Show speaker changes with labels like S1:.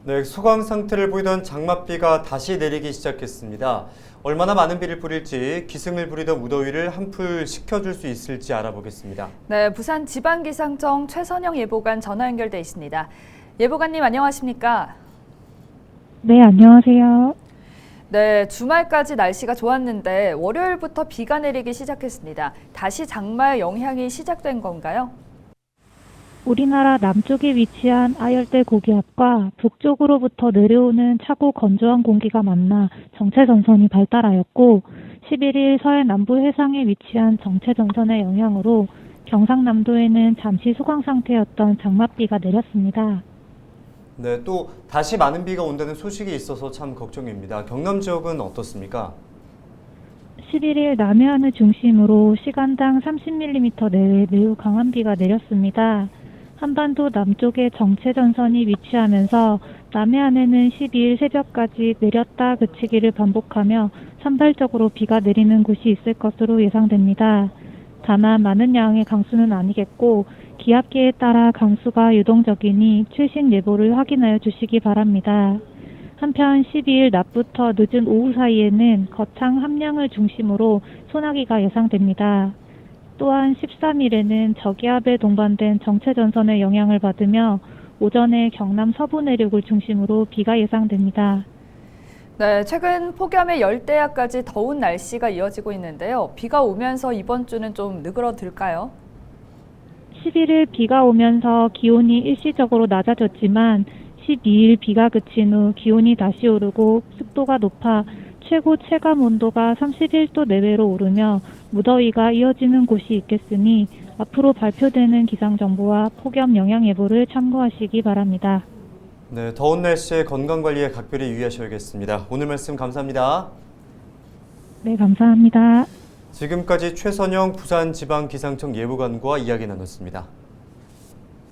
S1: 네, 소강 상태를 보이던 장맛비가 다시 내리기 시작했습니다. 얼마나 많은 비를 뿌릴지 기승을 부리던 무더위를 한풀 식혀줄 수 있을지 알아보겠습니다.
S2: 네, 부산 지방기상청 최선영 예보관 전화 연결돼 있습니다. 예보관님 안녕하십니까?
S3: 네, 안녕하세요.
S2: 네, 주말까지 날씨가 좋았는데 월요일부터 비가 내리기 시작했습니다. 다시 장마의 영향이 시작된 건가요?
S3: 우리나라 남쪽에 위치한 아열대 고기압과 북쪽으로부터 내려오는 차고 건조한 공기가 만나 정체전선이 발달하였고 11일 서해 남부 해상에 위치한 정체전선의 영향으로 경상남도에는 잠시 소강 상태였던 장맛비가 내렸습니다.
S1: 네, 또 다시 많은 비가 온다는 소식이 있어서 참 걱정입니다. 경남 지역은 어떻습니까?
S3: 11일 남해안을 중심으로 시간당 30mm 내외 매우 강한 비가 내렸습니다. 한반도 남쪽에 정체전선이 위치하면서 남해안에는 12일 새벽까지 내렸다 그치기를 반복하며 산발적으로 비가 내리는 곳이 있을 것으로 예상됩니다. 다만 많은 양의 강수는 아니겠고 기압계에 따라 강수가 유동적이니 최신 예보를 확인하여 주시기 바랍니다. 한편 12일 낮부터 늦은 오후 사이에는 거창 함량을 중심으로 소나기가 예상됩니다. 또한 13일에는 저기압에 동반된 정체전선의 영향을 받으며 오전에 경남 서부 내륙을 중심으로 비가 예상됩니다.
S2: 네, 최근 폭염의 열대야까지 더운 날씨가 이어지고 있는데요. 비가 오면서 이번 주는 좀 느그러들까요?
S3: 11일 비가 오면서 기온이 일시적으로 낮아졌지만 12일 비가 그친 후 기온이 다시 오르고 습도가 높아 최고 체감 온도가 31도 내외로 오르며 무더위가 이어지는 곳이 있겠으니 앞으로 발표되는 기상정보와 폭염 영향 예보를 참고하시기 바랍니다.
S1: 네, 더운 날씨에 건강관리에 각별히 유의하셔야겠습니다. 오늘 말씀 감사합니다.
S3: 네, 감사합니다.
S1: 지금까지 최선영 부산지방기상청 예보관과 이야기 나눴습니다.